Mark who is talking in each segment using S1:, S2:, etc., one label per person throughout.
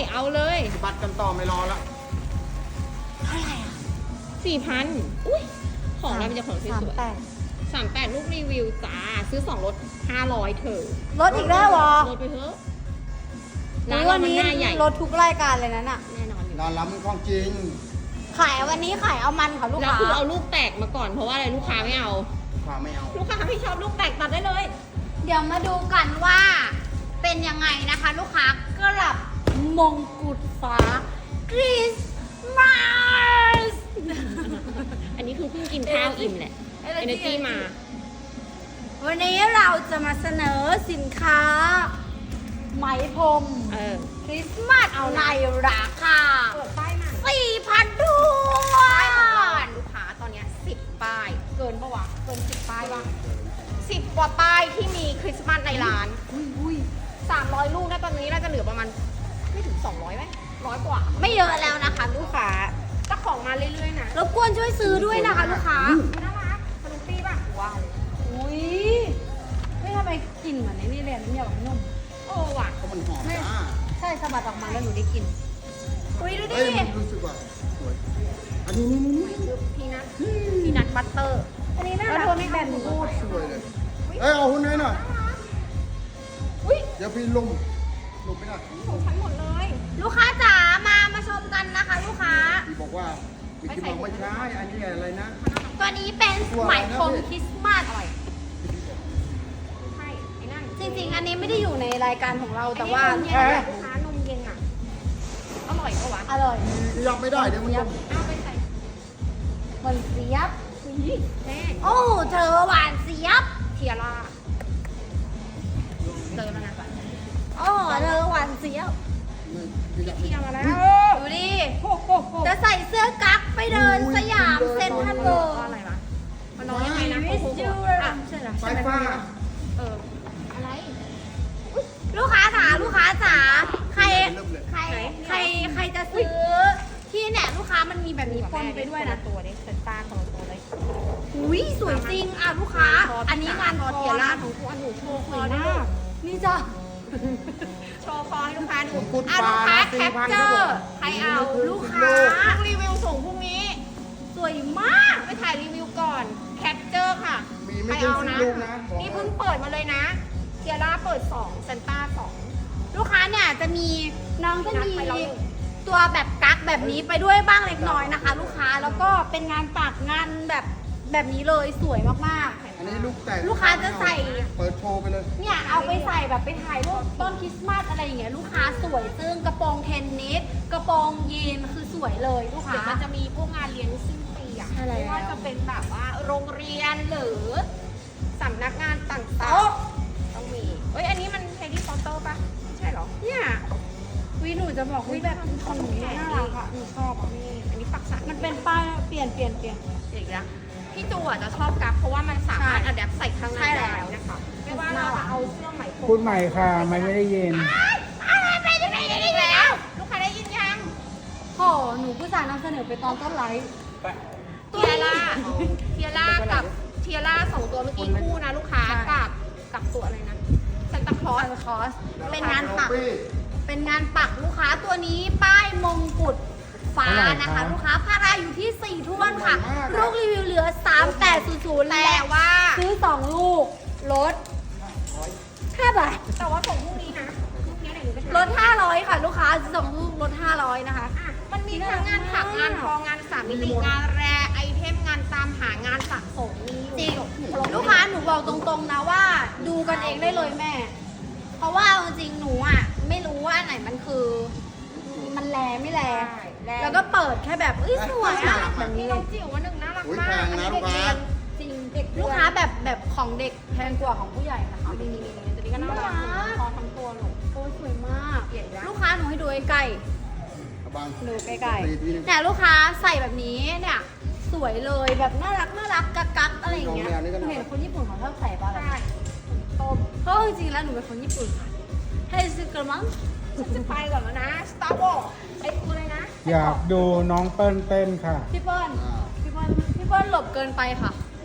S1: เอาเลย
S2: บัตรกันต่อไม่รอละ
S3: เท่าไหร่อ่ะ
S1: 4,000อุ้ยของเราเป็นจะของสวย
S3: 38
S1: 38ลูกรีวิวจ้าซื้อ2ลด500เถอะ
S3: ลดอีกแล้วเหรอ
S1: ลดไปเถอะ
S3: อุ๊
S1: ร้าน
S3: ย
S1: เรา
S3: วัน
S1: มัน
S3: นี้
S1: หน้าใหญ่
S3: ลดทุกรายการเลยนะน่ะ
S1: แน่นอนอยู่
S2: ร้านเรามันของจริง
S3: ขายวันนี้ขายเอามันค่ะลูก
S1: แล้ว
S3: ค้า
S1: คือเอาลูกแตกมาก่อนเพราะว่าอะไรลูกค้าไม่เอา
S2: ความไม่เอา
S1: ลูกค้าไม่ชอบลูกแตกตัดได้เลย
S3: เดี๋ยวมาดูกันว่าเป็นยังไงนะคะ ลูกค้ากลับมงกุฎฟ้าคริสต์มาส
S1: อันนี้คือเพิ่งกินข้าวอิ่มแหละ Energy มา
S3: วันนี้เราจะมาเสนอสินค้า ไหมพรม
S1: เออ
S3: คริสต์มาสในราคา
S1: เปิดป้ายมา
S3: 4,000 ด้ว
S1: ป้ายของเรา
S3: ย
S1: อ่ะลูกค้าตอนเนี้ย10 ป้าย เกินปะวะ เกิน 10 ป้ายปะ10 กว่าป้ายที่มีคริสต์มาสในร้าน
S3: อุ้ย
S1: 300 ลูกนะตอนนี้น่าจะเหลือประมาณไม่ถึง 200ไหม100 กว่า
S3: ไม่เยอะแล้วนะคะลูกค้า
S1: ก็ของมาเรื่อยๆนะ
S3: รบกวนช่วยซื้อด้วยนะคะลูกค้า
S1: น่ารักสนุกปี้ป่ะว้าว
S3: อุ้ยไม่ทำไมกลิ่นเหมือนในนี่เลยน้ำยาแบบนุ่ม
S1: โอ้ว่ะ
S2: เพราะมันหอมจ้า
S3: ใช่สะบัดออกมาแล้วหนูได้กลิ่นอุ้ยดูดิ
S2: เอ้ยมันรู้สึกว่าสวยอันนี้นี่
S1: พีนัทบัตเตอร์
S3: อันนี้น่า
S1: แล้ว
S3: รัก
S1: เธอไม่แบบหนู
S2: สวยเลยเอ้ยเอาหุ้นให้หน่อย
S1: อุ้ย
S2: เดี๋ยวพี่ลุ่มไม่ได้
S1: ของฉันหมดเลย
S3: ลูกค้าจ๋ามาชมกันนะคะลูกค้า
S2: พี่บอกว่าพี่บอกไม่ใช่อันนี้อะไรนะ
S3: ตัวนี้เป็นไหมพรมคริสต์มาส
S1: ใช่ไอ้นั่น
S3: จริงๆ อันนี้ไม่ได้อยู่ในรายการของเราแต่ว่า
S1: ไอ้นี่นมเย็นอะลูกค้านมเย็นอ่ะ อร่อยปะวะ
S3: อร่อย
S2: ยังไม่ได้เดี๋ยวมันลุ่ม
S1: เอาไปใส่
S3: มันเสียบ
S1: อุ้ยแม่
S3: โอ้เธอหวานเสียบ
S1: เทียร่าเจอแล้วนะก่อน
S3: โอ้เธอหวานเสียบ
S2: พี่อยาก
S1: เทียมาแล้ว
S3: ดูดิ
S1: โอ้โห
S3: จะใส่เสื้อกั๊กไปเดินสยามเซ็นทรัลเวิลด์
S1: อะไรวะมันน้องยังไงนะ
S3: มิส
S1: โอ้โห
S3: ยู
S1: อ่ะ
S3: ใช่เหรอ
S2: ไฟฟ้า
S1: เออ อะไร
S3: ลูกค้าจ๋าลูกค้าจ๋าใคร
S2: เริ่มเลย
S3: ใครใครจะซื้อที่เนี่ยลูกค้ามันมีแบบนี้ปนไปด้วยนะ
S1: ตัวนี้เซนต้าคนละตัวเลย
S3: อุ้ยสวยจริงอ่ะลูกค้า อันนี้งานคอ
S1: เทียร่า
S3: นะ
S1: ของคุณหนูโชว์ค
S3: ส
S1: อ
S3: วย
S1: ด้ว
S3: มาย กนี่จ้ะ
S1: โชว์คอให้ลูกค้าดู
S2: ผมพูด
S1: อ่ะลูกค้า
S2: ปลา
S1: แคปเจอร์ใครเอาลูกค้ารีวิวส่งพรุ่งนี้
S3: สวยมาก
S1: ไปถ่ายรีวิวก่อน แคปเจอร์ค่ะ
S2: มี
S1: ใค
S2: ไม่
S1: ร
S2: ถึง
S1: เอา
S2: สิบ
S1: นะ
S2: ลูกนะ
S1: นี่เพิ่งเปิดมาเลยนะ เทียร่าเปิด2เซนต้า2
S3: ลูกค้าเนี่ยจะมีน้องจะมี
S1: นัดไปแล้ว
S3: ตัวแบบกั๊กแบบนี้ไปด้วยบ้างเล็กน้อยนะคะ ลูกค้าแล้วก็เป็นงานปักงานแบบนี้เลยสวยมาก
S2: อันนี้ลูกแตก
S3: ลูกค้าจะใส่
S2: เปิดโชว์ไปเลย
S3: ๆเนี่ยเอาไปใส่แบบไปถ่ายรูปต้นคริสต์มาสอะไรอย่างเงี้ยลูกค้าสวยซึ่งกระโปรงเทนนิสกระโปรงยีนคือสวยเลยลูกค้า
S1: เดี๋ยวมันจะมีพวกงานเลี้ยงสิ้นปีอ่ะ
S3: ใช่แล้ว
S1: ไม่ว่าจะเป็นแบบว่าโรงเรียนหรือสำนักงานต่าง
S3: โต๊ะ
S1: ๆต้องมีเอ้ยอันนี้มันเฮดี้พอตเตอร์ปะไม่ใช่เหรอ
S3: เนี่ยวิหนูจะบอกวิแบบของหนูน่ารักอะหนูชอบอะ
S1: นี่อันนี้ปักสัน
S3: มันเป็นป้ายเปลี่ยน
S1: อีกแล้วพี่จูอ่ะจะชอบกับเพราะว่ามันสามารถอัดแอปใส่ข้างใน
S3: ใช่แล้ว
S1: ได้นะคะไม่ว่าเราจะเอาเสื้อไหมพรม
S4: พูดใหม่ค่ะ ไม่ได้ยิน
S1: อะไรไปได้แล้ว ลูกค้าได้ยินยัง
S3: โหหนูผู้สานนำเสนอไปตอนต้นไลฟ์
S1: เทียร่ากับเทียร่าสองตัวเมื่อกี้คู่นะลูกค้า
S3: ใช่
S1: กับตัวอะไรนะซันตาคลอส
S3: คอสเป็นงานปัก เป็นงานปักลูกค้าตัวนี้ป้ายมงกุฎฟ้า
S4: เท่าไหร่
S3: นะคะ
S4: คะ
S3: ลูกค้าพาราอยู่ที่ 4ท้วนค่ะ ลูกรีวิวเหลือ 3800
S1: แต่
S3: และ
S1: ว่า
S3: ซื้อ 2 ลูกลด5 บาท
S1: แต่ว่าส่งพรุ่งนี้นะพรุ่งนี้ไหนหนูไป
S3: ลด 500 ค่ะ ลูกค้า2ลูกลด 500 นะคะ
S1: อ่ะมันมีทั้งงานถักงานทองงานสามมิติงานแรไอเทมงานตามหางานสะสมมีอยู่
S3: จริง
S1: ครบ
S3: ลูกค้าหนูบอกตรงๆนะว่าดูกันเองได้เลยแม่ เพราะว่าเอาจริงๆหนูอ่ะไม่รู้ว่าอันไหนมันคือ มันแลไม่แล แล้วก็เปิดแค่แบบเอ้ยสวยอ่ะแบบนี้
S1: นี่
S3: เล
S1: น้อย งจิ๋ววันหนึ่งน่ารัก
S2: อุ๊ย
S1: มาก
S2: แพงนะ
S1: อันนี้เด็ก
S2: ลูกค้า
S1: เรียน
S3: จริงเด็กลูกค้าแบบของเด็กแพงกว่าของผู้ใหญ่นะคะ
S1: นี่ตัวนี้ก็น่ารักคอทั้งตัวหนู
S3: โอ้ยสวยมาก
S1: เปลี่ยนแล้ว
S3: ลูกค้าหนูให้ดูใกล้
S2: เอาบัง
S3: ๆดูใกล้
S2: ตีทีนึง
S3: ๆเนี่ยลูกค้าใส่แบบนี้เนี่ยสวยเลยแบบน่ารักกักๆอะไรอย่างเงี้ย
S2: ลองแนวนี้ก็
S3: หนู
S2: ได้
S3: เห็นคนญี่ปุ่นเขาชอบใส่ป่ะแบบ
S1: ใช่ต้ม
S3: เพราะจริงๆแล้วหนูเป็นคนญี่ปุ่นค่ะให้ซื้อกระมัง
S1: ฉันจะไปก่อนแล้วนะ Star Wars ไอ้ตัวเลยนะ
S4: อยากดูน้องเปิ้ลเต้นค่ะ
S3: พี่เปิ้ลพี่เปิ้ลหลบเกินไปค่ะ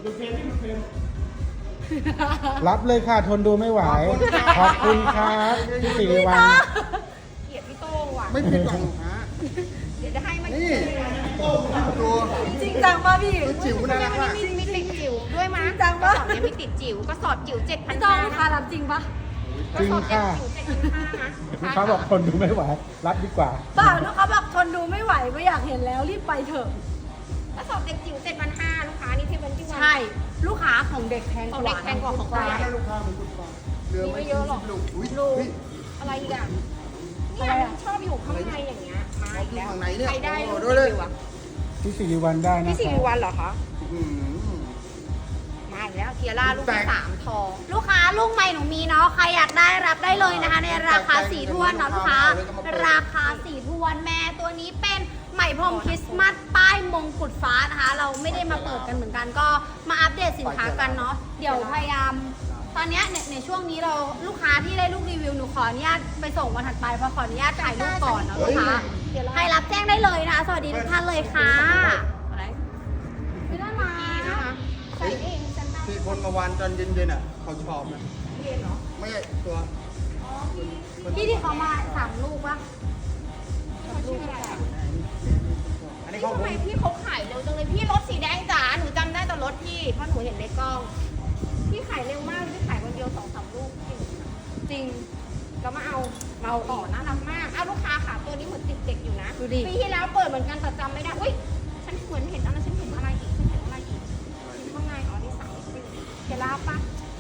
S4: รับเลยค่ะ ทนดูไม่ไหว ขอบคุณครับพี่สิริวัล
S1: เกลียดพี่โต้งว่ะ
S2: ไม่ผิดหวังลูกค้า
S1: เดี๋ยวจะให้มัน
S2: นี่ดู
S3: จริงจังป่ะพี่
S2: ตัวจิ๋วน่ารักมาก
S1: มีติดจิ๋วด้วยมั้ย
S3: จัง
S1: กระ
S3: ปะ
S1: สอบเนี้ยมีติดจิ๋วกระสอบจิ๋ว
S3: พี่
S1: 7,500
S3: จองลูกค้ารับจริงปะ
S1: กระสอบเนี้ยจิ๋ว7,500นะ
S4: ลูกค้าบอกคนดูไม่ไหว รับดีกว่า
S3: เปล่าลูกค้าบอกทนดูไม่ไหวไม่อยากเห็นแล้วรีบไปเถอะ
S1: กระสอบเด็กจิ๋ว7,500ลูกค้านี่ที่เป็นที่วัน
S3: ใช่ลูกค้าของเด็กแพงก
S1: ของ
S3: ว่า
S1: เด็กแพงกว่าของ
S2: ฟ้า
S1: เรา
S2: ให้ลูกค้ามันกุดฟ้าเหลือ
S1: มี
S2: ไม่
S1: ไม่เยอะหรอก
S2: ลูกอุ้ย
S1: ลูก
S2: เฮ้ย
S1: อะไรอีกอ่ะเนี่ยมันชอบอยู่ข้างในอย่างเงี้ยมาอีกแล้ว
S2: ข้างในเนี่ย
S1: ใครได้
S2: โอ้
S1: ลู
S2: โห
S1: ก
S2: ดูเลย
S1: จิ๋วอ่ะ
S4: พี่สิริวัลได้นะ
S1: พี่สิ
S4: คะ
S1: ริวัลเหรอคะ
S2: อืม
S1: มาอีกแล้วเทียร่าลูกที่3ทอง
S3: ลูกค้าลูกใหม่หนูมีเนาะใครอยากได้รับได้เลยนะคะ ในราคา4ถ้วนเนาะลูกค้า ราคา4ถ้วนแม่ตัวนี้เป็นไหมพรมคริสต์มาสป้ายมงกุฎฟ้านะคะ เราไม่ได้มาเปิดกันเหมือนกันก็มาอัปเดตสินค้ากันเนาะเดี๋ยวพยายามตอนเนี้ยในช่วงนี้เราลูกค้าที่ได้ลูกรีวิวหนูขออนุญาตไปส่งวันถัดไปเพราะขออนุญาตถ่ายรูปก่อนเนาะลูกค้าใครรับแจ้งได้เลยนะคะสวัสดีทุกท่านเลยค่ะอะไรไม่ได้มา
S1: นะคะใส่เองฉันได้
S2: ที่คนมาวานตอนเย็นๆอ่ะเขาชอบนะ
S1: เรียนเหรอ
S2: ไม่ใช่ตัว
S3: พี่ที่เขามา3ลูกปะ
S1: เขาชื่ออะไรอ่ะ
S2: อันนี้
S1: นี่
S2: เขา
S1: ทำไมพี่เขาขายเร็วจังเลยพี่รถสีแดงจ๋าหนูจำได้แต่รถพี่เพราะหนูเห็นในกล้องพี่ขายเร็วมากพี่ขายวันเดียว2-3 ลูกจริงแล้วมาเอาต่อน่ารักมากเอาลูกค้าค่ะตัวนี้เหมือนติดเด็กอยู่นะ
S3: ดูดิ
S1: ปีที่แล้วเปิดเหมือนกันแต่จำไม่ได้อุ้ยฉันเหมือนเห็นอะไรฉันเห็นอะไรอีกฉันเห็นอะไรอีกข้างในอ๋อนี่3เจล่าปะ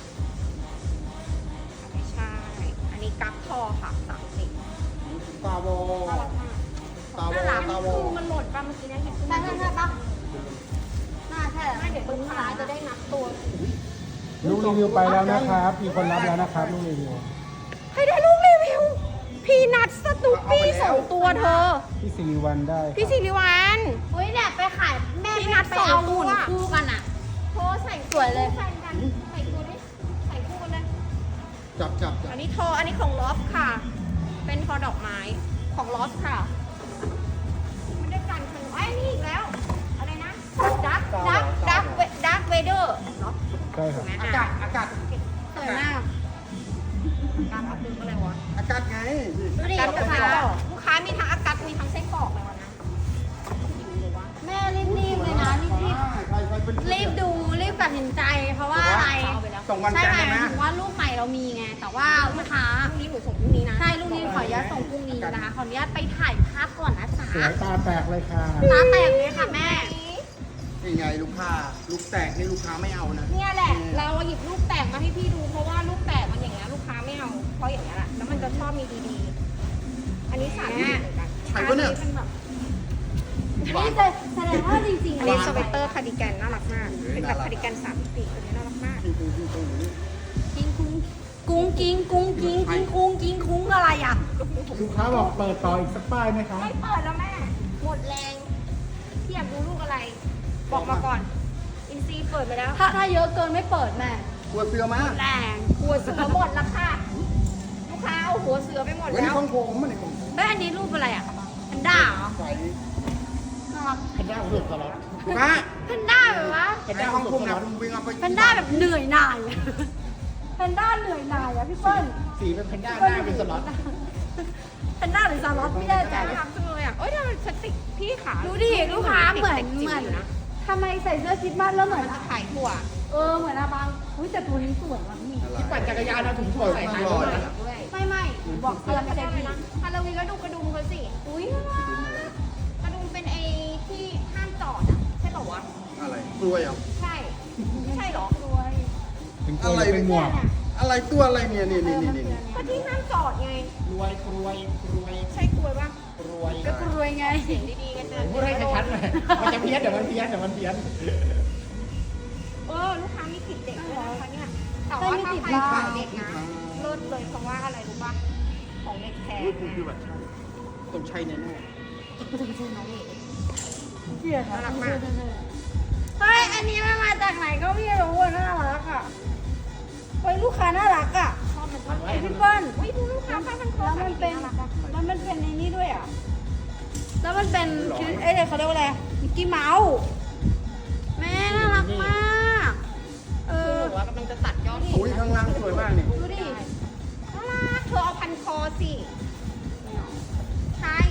S1: ไม่ใช่ อันนี้กั๊กทอค่ะ30
S2: ตาโบ
S1: น่ารักมาก
S2: ตาโบ
S1: น่ารัก
S2: ตาโบ
S1: คือมันหล่นปะเมื่อกี้เนี่ยเห็นคือ
S3: ใช่
S1: มัน
S3: ใช่ปะน่าใช่
S1: ไม่เดี๋ยวลูกค้าจะได้นับตัว
S4: ลูกรีวิวไปแล้วนะครับ มีคนรับแล้วนะครับลูกรีวิว
S1: ใครได้ลูกรีวิว พีนัทสตูปี้2 ตัวเธอ
S4: พี่สิริวัลได้ครับ
S1: พี่สิริวัล
S3: อุ้ยเนี่ยไปขายแม่
S1: พี่
S3: พี่
S1: นั
S3: นั
S1: ด
S3: ดไปเอา
S1: สองตัว
S3: หุ่นคู่กันอ่ะ
S1: โทรใส่
S3: สวยเลย
S1: ใส่กันใส่ตัวนี้ใส่คู่กันเลย
S2: จับ
S1: อันนี้โทรอันนี้ของลอฟค่ะ เป็นทอดอกไม้ของลอฟค่ะไม่ได้กันคือไอ้ยนี่อีกแล้ว อะไรนะดักเวเดอร์เนาะ
S4: ใช่ครับ
S2: อากาศอากาศ
S3: สวยมาก
S1: การอัดดึงอะไรวะ
S2: อากาศไง
S3: ดูดิ
S1: การ
S3: ลู
S1: กับ
S3: ก
S1: ไส้
S3: ค้าก
S1: รอกลูกค้ามีทั้งอากาศมีทั้งไส้กรอกเลยวันนั้น
S3: แม่รีบๆเลยนะรีบ
S2: ใครเป็น
S3: ๆรีบดูรีบตัดสินใจ เพราะว่าอะไร
S1: เอาไปแล้ว
S2: ส่งวัน
S3: ใช่
S2: จันท
S3: ไหม
S2: ร์ได้ไหม
S3: ถึงว่าลูกใหม่เรามีไง แต่ว่าลูกค้า
S1: พรุ่งนี้หนูส่งพรุ่งนี้นะ
S3: ใช่ลูกนี้ขออนุญาตส่งพรุ่งนี้นะคะ ขออนุญาตไปถ่ายภาพก่อนนะจ๊ะ
S4: สวยตาแตกเลยค่ะ
S3: ตาแตกเลยค่ะแม่
S2: นี่ไงลูกค้าลูกแตกนี่ลูกค้าไม่เอานะ
S1: เนี่ยแหละ เราหยิบลูกแตกมาให้พี่ดูเพราะว่าลูกแตกมันอย่างเงี้ยลูกค้าไม่เอาเพราะอย่างเงี้ยแหละแล้วมันจะชอบมีดีๆ อันนี้สารเหมือนกัน
S2: ใครวะเนี่ย
S1: อัเป็นแบบ
S3: นี่แสดงว่าจริงๆ
S1: อัน
S3: เล
S1: นี้
S3: ย
S1: สเวตเตอร์คาร์ดิแกนน่ารักมากเป็นแบบคาร์ดิแกน3 มิติตัวนี้น่ารักมาก
S3: กิ้งกุ้งกิ้งกุ้งกิ้งกิ้งกุ้งกิ้งกุ้งอะไรอ่ะ
S4: ลูกค้าบอกเปิดต่ออีกสักป้ายไหมคะ
S1: ไม่เปิดแล้วแม่หมดแรงพี่อยากดูลูกอะไร บอกมาก่อน อินซีเปิดไปแล้ว
S3: ถ้าเยอะเกินไม่เปิดแม่
S2: กลัวเสือมา
S3: แรง
S1: หัวเสือหมดแล้วค่ะลูกค้าเอาหัวเสือไปหมด
S2: เฮ้ย
S1: แล้ว
S2: ของผมมันนี่ของ
S3: เฮ้ยอันนี้รูปอะไรอ่ะแพนด้าเหรอ
S2: ใส่
S3: น่ารัก
S4: แพนด้าสุดตลอด
S2: ลูกค้า
S3: แพนด้าแบบว่า
S2: ไอ้ของผมนะผมวิ่งเอาไป
S3: แพนด้าแบบเหนื่อยหน่ายอะแพนด้าเหนื่อยหน่ายอ่ะพี่เปิ้ล
S4: สีเป็นแพนด้าหน้าเป็นสล็อต
S3: แพนด้าหรือสล็อตไม่แน่ใจ
S1: น่ารักจังเลยอ่ะเอ้ยทำไมสติกพี่ขา
S3: ดูดิลูกค้าเหมือน
S1: ด็กๆจิ๋
S3: เหมื
S1: ว
S3: อน
S1: ยู่นะ
S3: ทำไมใส่เสื้อคริดมาสแล้วเหมือน
S1: ขายถั่ว
S3: เหมือนอาบังอุ้ยแต่ตัวนี้สวยว่ะพี่
S2: ที่ปั่นจักรยานเอาถุงถั่วใส่ให้ด้วย
S1: ด้วย
S3: ไม่บอกเตือนไม่ได้พี่
S1: ฮาโลวีนก็ดูกระดุมเขาสิ
S3: อุ้ย
S1: กระดุมเป็นไอ้ที่ห้ามจอดอ่ะใช่ป่าวะ
S2: อะไรกล้วยเหรอ
S1: ใช่ไม่ใช่เหรอ
S3: รวย
S4: เป็นกล้วยหรือเป็นหมวก
S2: อะไรตัวอะไรเนี่ยนี่
S1: ก็ที่ห้ามจอดไง
S5: รวยรวยรวย
S1: ใช่กลวยปะ
S5: รวย
S3: ก็รวยไง
S1: เสียงดีๆกันเตือน
S5: พูดให้ชัดๆหน่อยมันจะเพี้ยนเดี๋ยวมันเพี้ยนเดี๋ยวมันเพี้ยน
S1: ลูกค้ามีติดเด็กด้วยนะคะเนี่ยแต่ว่าถ้าใครขายเด็กนะเลิศเลยเพราะว่าอะไรรู้ปะของเด็กแพง
S2: รูป
S1: ไง
S2: คือแบบต้องใช้แน่
S1: น้องเอ๋
S3: เกลียด
S1: น่ารักมาก
S3: เฮ้ยอันนี้มันมาจากไหนก็ไม่รู้อ่ะน่ารักอ่ะเฮ้ยลูกค้าน่ารักอ่ะ
S1: ชอบมันมาก
S3: พี่เปิ้ล
S1: อุ้ยดูลูกค้าผ้าพันคอ
S3: แล้วมันเป็น
S1: น่ารักอะ
S3: แล้วมันเป็นในนี้ด้วยอ่ะ แล้วมันเป็นเอ้ยเขาเรียกว่าอะไรมิกกี้เมาส์แม่น่ารักมาก
S1: คือหนูว่ากำลังจะตัดยอด
S2: ๆอุ้ยข้างล่างสวยมากนี่
S3: ดูดิ
S1: น่ารักเธอเอาพันคอสิใช่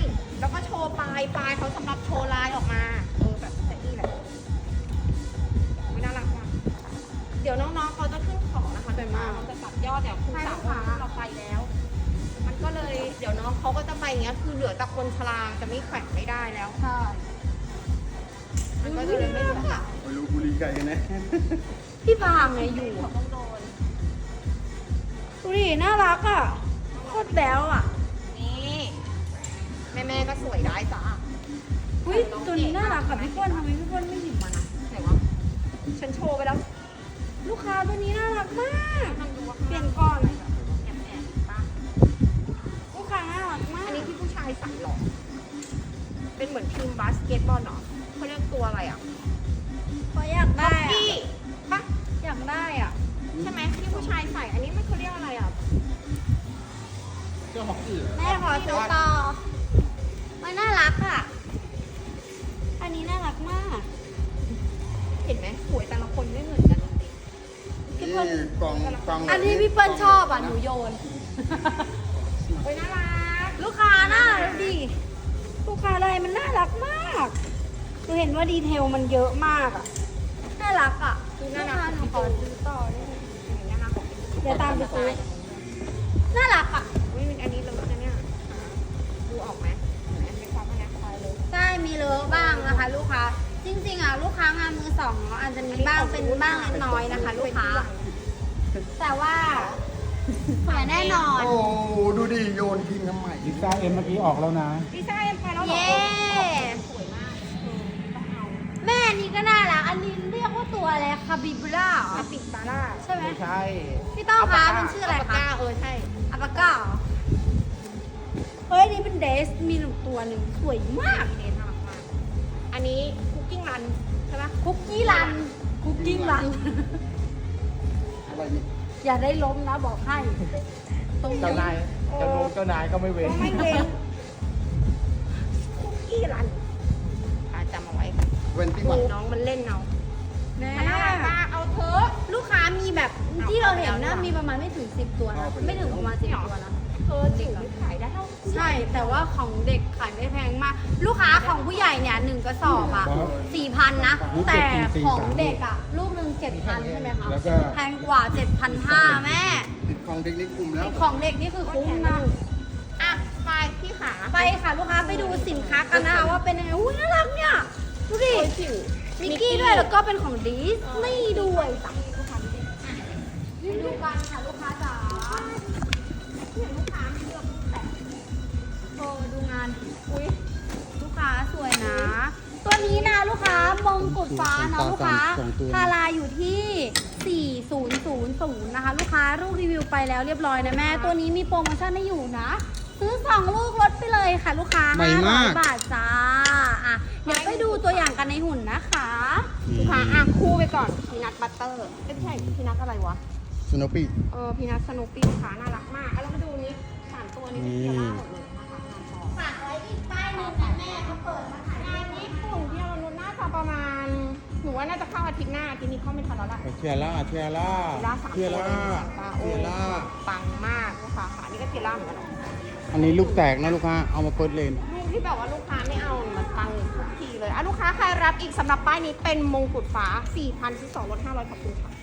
S1: ปลายเขาสำหรับโชว์ลายออกมาแบบนี้แหละไม่น่ารักว่ะเดี๋ยวน้องๆเขาจะขึ้นของนะคะแต่มาเราจะตัดยอดเดี๋ยวคุณสาวเราไปแล้ว มันก็เลยเดี๋ยวน้องเขาก็จะไปอย่างเงี้ยคือเหลือแต่คนชราจะไม่แขวนไม่ได้แล้ว
S3: ใช่
S1: มันก็เลยไม่เหลือ
S2: ไม่รู้บุรีไก่กันนะ
S3: พี่พามไงอยู่
S1: เขา
S3: อะ
S1: ต้องโดน
S3: ดูดิน่ารักอ่ะโคตรแบ๊วอ่ะ
S1: นี่แม่ก็สวยได้จ้า
S3: อุ้ยตัวนี้น่ารักกับพี่เปิ้ลทำไมพี่เปิ้ลไม่หยิบมานะ
S1: ไหนวะฉันโชว์ไปแล้ว
S3: ลูกค้าตัวนี้น่ารักมาก
S1: มันดูว่า
S3: เปลี่ยนก่อน
S1: แอบป่ะ
S3: ลูกค้าน่ารักมาก
S1: อันนี้ที่ผู้ชายใส่หรอเป็นเหมือนทีมบาสเกตบอลเหรอเขาเรียกตัวอะไรอ่ะ
S3: เพราะอยากได้
S1: พี่
S3: อะ
S1: ปะ
S3: อยากได้อ่ะ
S1: ใช่ไหมที่ผู้ชายใส่อันนี้มันเขาเรียกอะไรอ่ะ
S5: เสื้อฮอกกี้เหรอ
S3: แม่ขอซื้อต่อมันน่ารักอ่ะ อันนี้น่ารักมาก
S1: เห็นไหมสวยแต่ละคนไม่เหมือนกันจริง
S2: นี่กล่องกล่อง
S3: อันที่พี่เปิ้ลชอบอ่ะหนูโยน
S1: ๆโอ้ยน่ารัก
S3: ลูกค้าน่ารักดิลูกค้าอะไรมันน่ารักมากหนูเห็นว่าดีเทลมันเยอะมากอ่ะ น่ารักอ่ะลูกค้าหนูขอซื้อต่อได้ไหม
S1: น่ารักของ
S3: เดี๋ยวตามไปซื้อ น่ารักอ่ะ
S1: อุ้ยอันนี้เลยนะเนี่ยดูออกไหมเห็นไหมมีความพนักงานเลย
S3: ใช่มีเลอะบ้างนะคะ ลูกค้า จริงๆอ่ะลูกค้างานมือสองเนาะอาจจะมีบ้างเป็นบ้างเล็กน้อยนะคะ ลูกค้า แต่ว่าสวยแน่นอน
S2: โอ้ดูดิโยนทิ้งทำไม
S4: ลิซ่าเอ็มเมื่อกี้ออกแล้วนะ
S1: พี่ชายไปแล้วเหรอ
S3: เย้
S1: สวยมากต้องเอา
S3: แม่อันนี้ก็น่ารักอันนี้เรียกว่าตัวอะไรคาบิบล่า
S1: อาปิดตาล่า
S3: ใช่ไหม
S5: ไม่ใช่
S3: พี่ต้องคะมันชื่ออะไร
S1: ปาก
S3: คะ
S1: กาใช่
S3: อัปปาก้าเหรอเฮ้ยนี่เป็นเดสมีหนึ่งตัวหนึ่งสวยมาก
S1: เดนน่ารักมากอันนี้คุกกิ้งรันใช่ปะ
S3: คุกกี้รัน คุกกิ้งรัน
S2: อะไรนี่
S3: อย่าได้ล้มนะบอกให้ตรง
S5: เจ้านายเจ้านายก็ไม่เว้น
S1: ก็ไม่เว้นคุกกี้รันจำเอาไว้ค่ะ
S2: เวนตี้วัน
S1: น้องมันเล่นเอา
S3: แม่
S1: มันน่ารักมากเอาเถอะ
S3: ลูกค้ามีแบบที่เราเห็นนะ
S1: เอาไปแล้ว
S3: มีประมาณไม่ถึง10 ตัวนะ ไม่ถึงประมาณ10 ตัวนะ
S1: เธอจิ๋วขายได้เท่า
S3: ใช่แต่ว่าของเด็กขายไม่แพงมาก ลูกค้าของผู้ใหญ่เนี่ย1กระสอบอ่ะ 4,000 นะ
S4: ลูกเด็
S3: แต่
S4: ก4,000
S3: ของเด็กอ่ะ ลูกหนึ่ง7,000 ใช่ไหมคะ
S4: แล้วก็
S3: แพงกว่า 7,500 แม่
S2: ติดของเทคนิคกลุ่มแล้ว
S3: ของเด็กนี่คือคุ้มนะ
S1: อ่ะไปพี่ขา
S3: ไปค่ะลูกค้าไปดูสินค้ากันนะคะว่าเป็นยังไงอุ้ยน่ารักเนี่ย ดูดิ
S1: โอ้ยจิ๋ว
S3: มิกกี้ด้วยแล้วก็เป็นของดิสนีย์ด้วยจ้ะดูกันค่ะลูกค้าจ๋าเห็นลูกค้าไม่เลือกลูกแต่ดูงานดิอุ้ยลูกค้าสวยนะ ตัวนี้นะลูกค้ามงกุฎฟ้าเนาะลูกค้าพาราอยู่ที่ 4000 นะคะ ลูกค้าลูกรีวิวไปแล้วเรียบร้อยนะแม่ ตัวนี้มีโปรโมชั่นให้อยู่นะ ซื้อ 2 ลูกลดไปเลยค่ะ ลูกค้า
S2: ใหม่มาก
S3: 500 บาทจ้าอ่ะเดี๋ยวไปดูตัวอย่างกันในหุ่นนะคะ
S1: ลูกค้าอ่ะคู่ไปก่อนพีนัทบัตเตอร์ไม่ใช่พีนัทอะไรวะ
S2: สโนปี้
S1: พีนัทสนุปปี้ลูกค้าน่ารักมากแล้วมาดูนี้3ตัวนี้เป็นเทียร่าหมดเลยนะคะงานทอง
S3: ฝากไว้อีกป้ายหนึงนะแม่เขาเปิดมาขาย
S1: งานญี่ปุ่นที่เรานุนน่าจะประมาณหนูว่าน่าจะเข้าอาทิตย์หน้าอาทิตย์นี้เข้าไม่ทันแล้วล่ะ
S4: เทียร่า
S1: เทียร่าสาม
S2: เทียร่า
S1: โอ้
S2: เทียร่า
S1: ปังมากลูกค้าค่ะนี่ก็เทียร่าเหมือนกันเนอะ
S2: อันนี้ลูกแตกนะลูกค้า เอามาเปิดเลน
S1: ลูกที่แบบว่าลูกค้าไม่เอามันปังทุกทีเลยอ่ะลูกค้าใครรับอีกสำหรับป้ายนี้เป็นมงกุฎฟ้า 4,000 ที่2ลด500ขอบคุณค่ะ